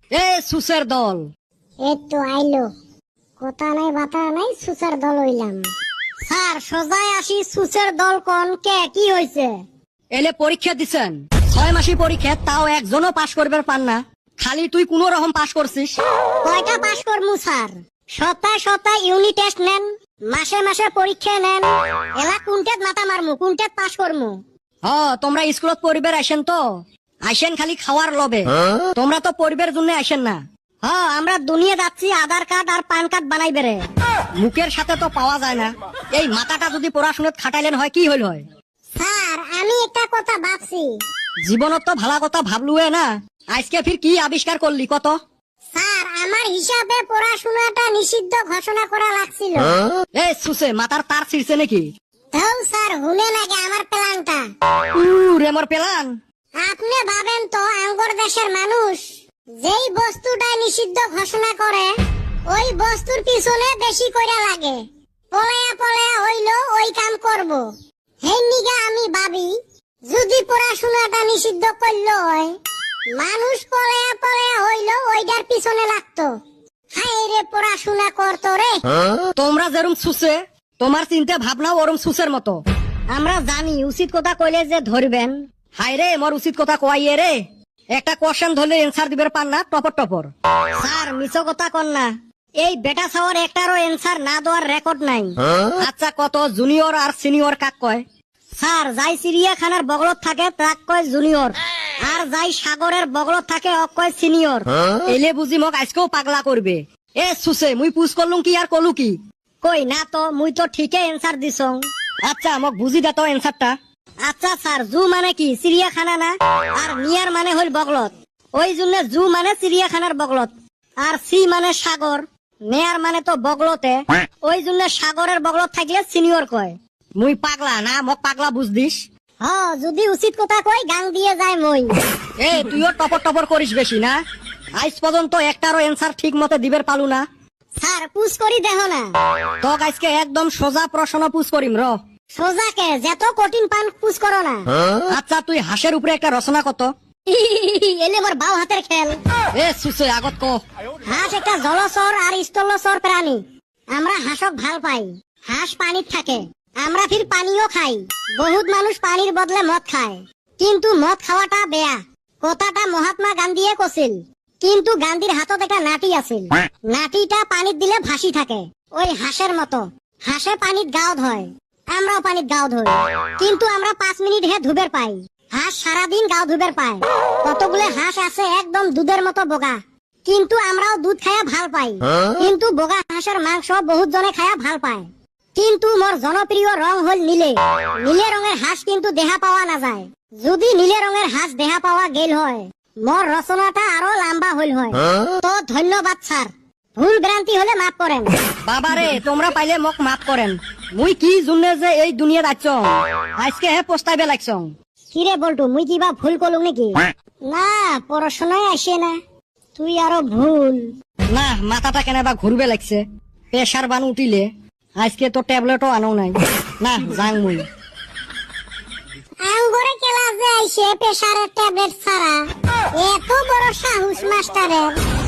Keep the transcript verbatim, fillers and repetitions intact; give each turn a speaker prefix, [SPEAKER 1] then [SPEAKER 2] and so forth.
[SPEAKER 1] এ সুসের দল
[SPEAKER 2] এই তো আইলো, কথা নাই বাতা নাই, সুসের দল হইলাম। স্যার সোজায় আসি, সুসের দল কোন কে কি হইছে?
[SPEAKER 1] এলে পরীক্ষা দিছেন, ছয় মাসি পরীক্ষা, তাও একজনও পাশ করবে পান না। খালি তুই কোন রকম পাশ করছিস।
[SPEAKER 2] কয়টা পাশ করমু স্যার? সপ্তাহে সপ্তাহে ইউনিট টেস্ট নেন, মাসে মাসে পরীক্ষা নেন, এলা কোনটাত মাথা মারমু, কোনটাত পাশ করমু?
[SPEAKER 1] হ তোমরা স্কুলত পরিবার আসেন তো, আসেন খালি খাওয়ার লবে, তোমরা তো পরিবার জন্য আসেন না।
[SPEAKER 2] হ আমরা দুনিয়া যাচ্ছি আধার কার্ড আর পান কার্ড বানাই বেড়ে।
[SPEAKER 1] মুখের সাথে তো পাওয়া যায় না। এই মাথাটা যদি পড়াশোনাত খাটাইলেন হয় কি হইল হয়।
[SPEAKER 2] স্যার আমি একটা কথা ভাবছি।
[SPEAKER 1] জীবনত তো ভালা কথা ভাবলুয়ে না, আজকে ফির কি আবিষ্কার করলি কত?
[SPEAKER 2] স্যার আমার হিসাবে পড়াশোনাটা নিষিদ্ধ ঘোষণা করা লাগছিল।
[SPEAKER 1] এ সুসে মাথার তার ছিড়ছে নাকি?
[SPEAKER 2] তাও স্যার হুনে লাগে আমার প্ল্যানটা।
[SPEAKER 1] উরে মোর পেলান।
[SPEAKER 2] আপনি ভাবেন তো, আঙ্গর দেশের মানুষ যেই বস্তুটা নিষিদ্ধ ঘোষণা করে ওই বস্তুর পিছনে বেশি করে লাগে, পলায়া পলায়া হইলো ওই কাম করব। হেই নিগা আমি ভাবি, যদি পড়াশোনাটা নিষিদ্ধ করলো হয়, মানুষ পলায়া পলায়া হইলো ওইটার পিছনে লাগতো। হায় রে পড়াশোনা করতো রে।
[SPEAKER 1] তোমরা যেরম সুসে, তোমার চিন্তা ভাবনাও ওরম সুসের মতো।
[SPEAKER 2] আমরা জানি উচিত কথা কইলে যে ধরবেন।
[SPEAKER 1] হাই রে মোর উচিত কথা কয়াইয়ে রে, একটা কোশ্চেন ধরলে এনসার দিবার পান না, টপর টপর।
[SPEAKER 2] স্যার মিছো কথা কন না, এই বেটা ছাওয়ার একটারও এনসার না দেওয়ার রেকর্ড নাই।
[SPEAKER 1] আচ্ছা কত জুনিয়র আর সিনিয়র কাক কয়?
[SPEAKER 2] স্যার যাই চিড়িয়াখানার বগলত থাকে তাক কয় জুনিয়র, আর যাই সাগরের বগলত থাকে অক কয় সিনিয়র।
[SPEAKER 1] এলে বুঝি মোক আজকেও পাগলা করবে। এ সুসে মুই পুষ করলুম কি আর কলু কি?
[SPEAKER 2] কই না তো, মুই তো ঠিকই এনসার দিছং।
[SPEAKER 1] আচ্ছা মোক বুঝি দে তো এনসারটা।
[SPEAKER 2] আচ্ছা স্যার, জু মানে কি চিড়িয়াখানা না, আর নিয়ার মানে হইল বগলত, ওই জন্য জু মানে চিড়িয়াখানার বগলত। আর সি মানে সাগর, নেয়ার মানে তো বগলতে, ওই জন্য সাগরের বগলত থাকলে সিনিয়র কয়।
[SPEAKER 1] মুই পাগলা না, মোক পাগলা বুঝ দিস।
[SPEAKER 2] হ যদি উচিত কথা কই গাং দিয়ে যায় মই।
[SPEAKER 1] এ তুইও টপর টপর করিস বেশি না, আজ পর্যন্ত একটারও এনসার ঠিক মতো দিবের পালু না।
[SPEAKER 2] স্যার পুষ করি দেহ না,
[SPEAKER 1] তক আজকে একদম সোজা প্রশ্ন পুষ করিম র।
[SPEAKER 2] সোজাকে যত কঠিন পান পুষ করো না।
[SPEAKER 1] আচ্ছা তুই হাঁসের উপরে একটা রচনা কত?
[SPEAKER 2] এলে মোর বাও হাতের খেল।
[SPEAKER 1] এ সুসে আগত ক।
[SPEAKER 2] হাঁস একটা জলচর আর স্থলচর প্রাণী। আমরা হাঁসক ভাল পাই, হাঁস পানিত থাকে, আমরা ফির পানিও খাই। বহুত মানুষ পানির বদলে মদ খায়, কিন্তু মদ খাওয়াটা বেয়া, কথাটা মহাত্মা গান্ধীয়ে কছিল। কিন্তু গান্ধীর হাতত একটা নাটি আছিল, নাটিটা পানিত দিলে ভাসি থাকে, ওই হাঁসের মতো। হাঁসে পানিত গাও ধয়, আমরাও পানিত গাও ধই, কিন্তু আমরা পাঁচ মিনিট হে ধুবের পাই, হাঁস সারাদিন গাও ধুবের পায়। কতগুলো হাঁস আছে একদম দুধের মতো বোগা, কিন্তু আমরাও দুধ খায়া ভাল পাই। কিন্তু বোগা হাঁসের মাংস বহুত জনে খায়া ভাল পায়। কিন্তু মোর জনপ্রিয় রং হল নীলে। নীলে রঙের হাঁস কিন্তু দেহা পাওয়া না যায়। যদি নীলে রঙের হাঁস দেহা পাওয়া গেল হয়, মোর রচনাটা আরো লম্বা হইল হয়। তো ধন্যবাদ স্যার, ভুল ভ্রান্তি হলে মাফ করেন।
[SPEAKER 1] বাবারে তোমরা পাইলে মোক মাফ করেন, মুই কি জুনে যে এই দুনিয়াত আইছ, আজকে হে পস্তাইবে লাগছ।
[SPEAKER 2] কিরে বলটু, মুই কিবা ভুল করলুম নাকি? না, পড়াশোনায় আসে না, তুই আরো ভুল।
[SPEAKER 1] না মাথাটা কেনাবা ঘুরবে লাগছে, প্রেসার বান উঠিলে। আজকে তো ট্যাবলেটও আনো নাই, না যাং মুই।
[SPEAKER 2] আঙ্গরে ক্লাসে আইসে প্রেসারের ট্যাবলেট ছাড়া, এত বড় সাহস মাস্টারের।